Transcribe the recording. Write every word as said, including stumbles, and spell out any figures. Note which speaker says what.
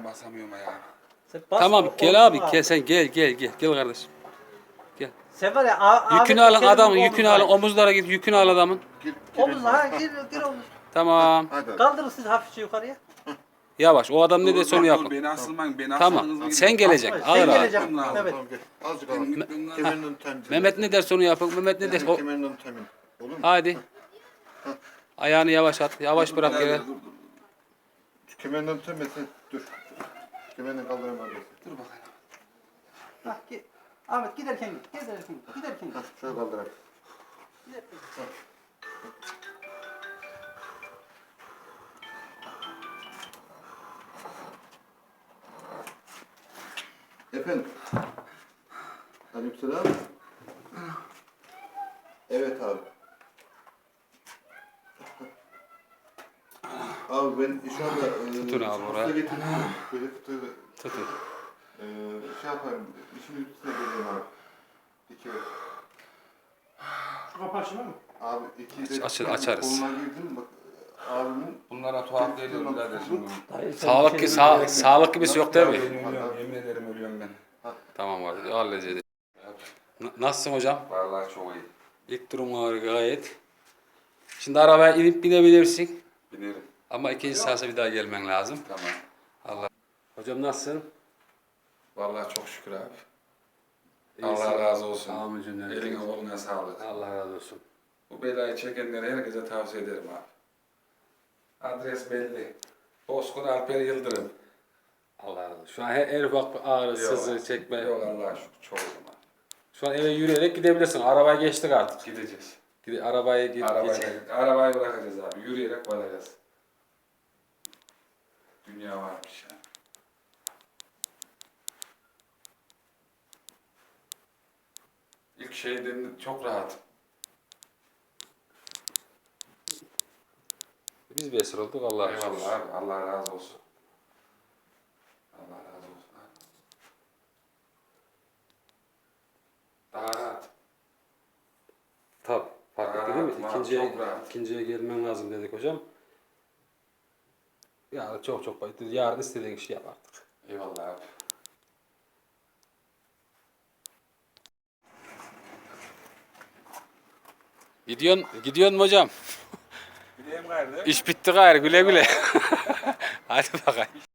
Speaker 1: basamıyorum ayağa.
Speaker 2: Sen bas,
Speaker 3: Tamam
Speaker 2: o-
Speaker 3: gel abi
Speaker 2: omzuna
Speaker 3: gel
Speaker 2: al.
Speaker 3: sen gel gel gel gel kardeşim.
Speaker 2: Sen var ya a-
Speaker 3: Yükünü
Speaker 2: Ahmet
Speaker 3: alın
Speaker 2: Kerim'in
Speaker 3: adamın yükünü
Speaker 2: omuzuna-
Speaker 3: alın omuzlara git yükünü al adamın.
Speaker 4: Gir,
Speaker 2: Omuzuna ha gir gir omuz.
Speaker 3: Tamam.
Speaker 4: Hadi.
Speaker 2: Kaldırın siz hafifçe yukarıya.
Speaker 3: Yavaş o adam ne
Speaker 1: Dur,
Speaker 3: derse onu
Speaker 1: dur,
Speaker 3: yapın.
Speaker 1: dur, Beni asılmayın, beni
Speaker 3: Tamam,
Speaker 1: asılmanız
Speaker 3: sen
Speaker 1: gibi.
Speaker 3: gelecek.
Speaker 2: Sen
Speaker 3: Ağır ağır.
Speaker 2: geleceksin.
Speaker 1: Tamam,
Speaker 2: Evet.
Speaker 4: Tamam gel. Azıcık
Speaker 1: Benim
Speaker 4: alın.
Speaker 1: yükümden-
Speaker 4: Kemerinden temin.
Speaker 3: Mehmet ne derse onu yapın. Mehmet ne derse o...
Speaker 4: Kemerinden temin. Olur mu?
Speaker 3: Hadi. Ayağını yavaş at. Yavaş bırak
Speaker 1: Dur,
Speaker 3: yere.
Speaker 1: dur, dur, dur.
Speaker 4: Kemerinden temesin. Dur. Kemerinden kaldıramam.
Speaker 1: Dur bakayım.
Speaker 2: Hah, git. Ahmet giderken git. Giderken git. Giderken git.
Speaker 4: Hah, şöyle kaldırayım.
Speaker 2: Giderken git.
Speaker 4: Efendim. Aleykümselam. Evet abi. Abi ben şu anda e,
Speaker 3: Tutun abi
Speaker 4: usta
Speaker 3: oraya.
Speaker 4: getirdim. Böyle fıtığı
Speaker 3: Tutun.
Speaker 4: e, şey yapayım. İşin üstüne geleyim abi. İki ver.
Speaker 2: Şu kapı açılır mı?
Speaker 4: Abi iki de
Speaker 3: Aç- açarız.
Speaker 4: koluna girdim bak abimin
Speaker 1: Bunlara tuhaf geliyor
Speaker 4: Tamam.
Speaker 1: kardeşim.
Speaker 2: Dayı, sen
Speaker 3: Sağlık,
Speaker 2: bir şey
Speaker 3: sağ,
Speaker 2: demeye
Speaker 3: sağlık gibisi yok değil mi?
Speaker 1: Ben ölüyorum, yemin ederim ölüyorum ben.
Speaker 3: Tamam abi halledeceğiz. N- Nasılsın hocam?
Speaker 1: Vallahi çok iyi.
Speaker 3: İlk durumlar gayet. Şimdi arabaya inip binebilirsin.
Speaker 1: Binerim.
Speaker 3: Ama ikinci seansa bir daha gelmen lazım.
Speaker 1: Tamam.
Speaker 3: Allah. Hocam nasılsın?
Speaker 1: Vallahi çok şükür abi.
Speaker 3: İyisin.
Speaker 1: Allah razı olsun.
Speaker 3: Amin cümlemize.
Speaker 1: Eline koluna sağlık.
Speaker 3: Allah razı olsun.
Speaker 1: Bu belayı çekenlere herkese tavsiye ederim abi. Adres belli. Bozkır Alper Yıldırım.
Speaker 3: Allah razı olsun. Şu an her, her ufak bir ağrı, sızı,
Speaker 1: Yok,
Speaker 3: çekme.
Speaker 1: Yok Allah'a şükür çok zaman.
Speaker 3: Şu an eve yürüyerek gidebilirsin. Arabaya geçtik artık.
Speaker 1: Gideceğiz.
Speaker 3: Gide, arabaya git. geç.
Speaker 1: Arabayı, arabayı bırakacağız abi. Yürüyerek varacağız. Dünya varmış ya. İlk şeyden çok rahat.
Speaker 3: Biz bir esir olduk Allah'a şükür.
Speaker 1: Eyvallah abi. Allah razı olsun. Allah razı olsun abi. Daha rahat.
Speaker 3: Tabii. Fark
Speaker 1: Rahat,
Speaker 3: etti değil mi?
Speaker 1: rahat,
Speaker 3: İkinciye,
Speaker 1: çok rahat.
Speaker 3: ikinciye gelmen lazım dedik hocam. Ya çok çok bayıttı. Yarın istediğin işi yap artık.
Speaker 1: Eyvallah abi.
Speaker 3: Gidiyorsun, gidiyorsun mu hocam?
Speaker 1: Gideyim gayrı.
Speaker 3: İş bitti gayrı güle güle. Hadi bakayım.